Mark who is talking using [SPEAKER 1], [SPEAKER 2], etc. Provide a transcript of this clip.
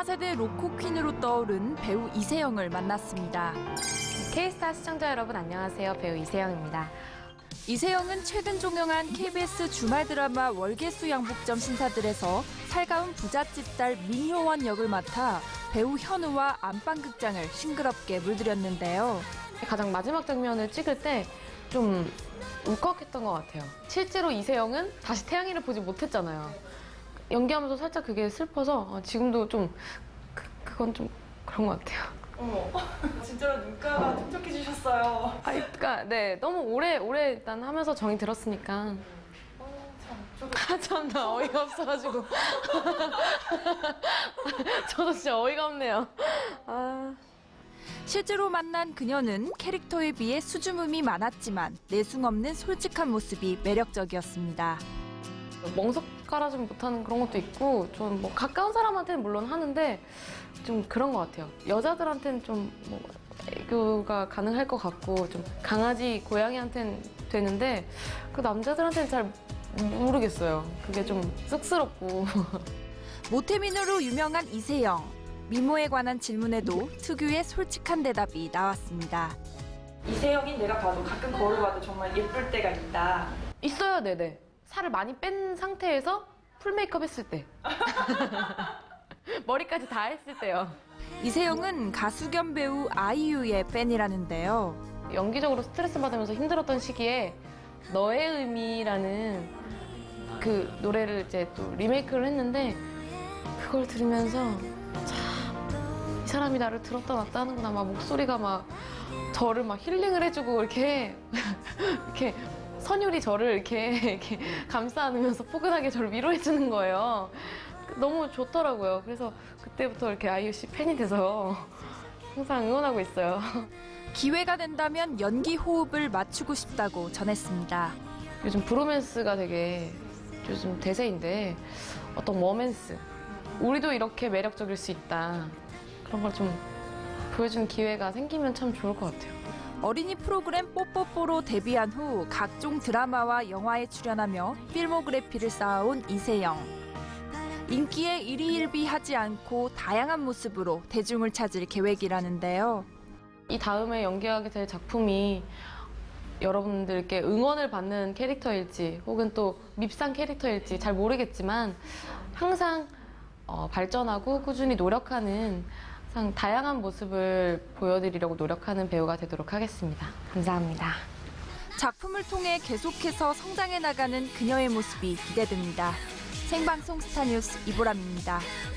[SPEAKER 1] 4세대 로코 퀸으로 떠오른 배우 이세영을 만났습니다.
[SPEAKER 2] K스타 시청자 여러분 안녕하세요. 배우 이세영입니다.
[SPEAKER 1] 이세영은 최근 종영한 KBS 주말 드라마 월계수 양복점 신사들에서 살가운 부잣집 딸 민효원 역을 맡아 배우 현우와 안방극장을 싱그럽게 물들였는데요.
[SPEAKER 2] 가장 마지막 장면을 찍을 때 좀 울컥했던 것 같아요. 실제로 이세영은 다시 태양이를 보지 못했잖아요. 연기하면서 살짝 그게 슬퍼서 지금도 좀 그건 좀 그런 것 같아요.
[SPEAKER 3] 어머, 진짜로 눈가가 촉촉해지셨어요.
[SPEAKER 2] 그러니까 네 너무 오래 일단 하면서 정이 들었으니까. 참 나 어이가 없어가지고. 저도 진짜 어이가 없네요.
[SPEAKER 1] 실제로 만난 그녀는 캐릭터에 비해 수줍음이 많았지만 내숭 없는 솔직한 모습이 매력적이었습니다.
[SPEAKER 2] 멍석 깔아주지 못하는 그런 것도 있고 좀 뭐 가까운 사람한테는 물론 하는데 좀 그런 것 같아요. 여자들한테는 좀 뭐 애교가 가능할 것 같고 좀 강아지, 고양이한테는 되는데 그 남자들한테는 잘 모르겠어요. 그게 좀 쑥스럽고.
[SPEAKER 1] 모태민으로 유명한 이세영. 미모에 관한 질문에도 특유의 솔직한 대답이 나왔습니다.
[SPEAKER 3] 이세영인 내가 봐도 가끔 거울 봐도 정말 예쁠 때가 있다.
[SPEAKER 2] 있어요, 네네. 살을 많이 뺀 상태에서 풀 메이크업 했을 때. 머리까지 다 했을 때요.
[SPEAKER 1] 이세영은 가수 겸 배우 아이유의 팬이라는데요.
[SPEAKER 2] 연기적으로 스트레스 받으면서 힘들었던 시기에 너의 의미라는 그 노래를 이제 또 리메이크를 했는데 그걸 들으면서 참 이 사람이 나를 들었다 놨다 하는구나. 막 목소리가 막 저를 막 힐링을 해주고 이렇게 선율이 저를 이렇게 감싸 안으면서 포근하게 저를 위로해주는 거예요. 너무 좋더라고요. 그래서 그때부터 이렇게 아이유 씨 팬이 돼서 항상 응원하고 있어요.
[SPEAKER 1] 기회가 된다면 연기 호흡을 맞추고 싶다고 전했습니다.
[SPEAKER 2] 요즘 브로맨스가 되게 요즘 대세인데 어떤 워맨스, 우리도 이렇게 매력적일 수 있다. 그런 걸 좀 보여주는 기회가 생기면 참 좋을 것 같아요.
[SPEAKER 1] 어린이 프로그램 뽀뽀뽀로 데뷔한 후 각종 드라마와 영화에 출연하며 필모그래피를 쌓아온 이세영. 인기에 일희일비하지 않고 다양한 모습으로 대중을 찾을 계획이라는데요.
[SPEAKER 2] 이 다음에 연기하게 될 작품이 여러분들께 응원을 받는 캐릭터일지 혹은 또 밉상 캐릭터일지 잘 모르겠지만 항상 발전하고 꾸준히 노력하는 항상 다양한 모습을 보여드리려고 노력하는 배우가 되도록 하겠습니다. 감사합니다.
[SPEAKER 1] 작품을 통해 계속해서 성장해 나가는 그녀의 모습이 기대됩니다. 생방송 스타뉴스 이보람입니다.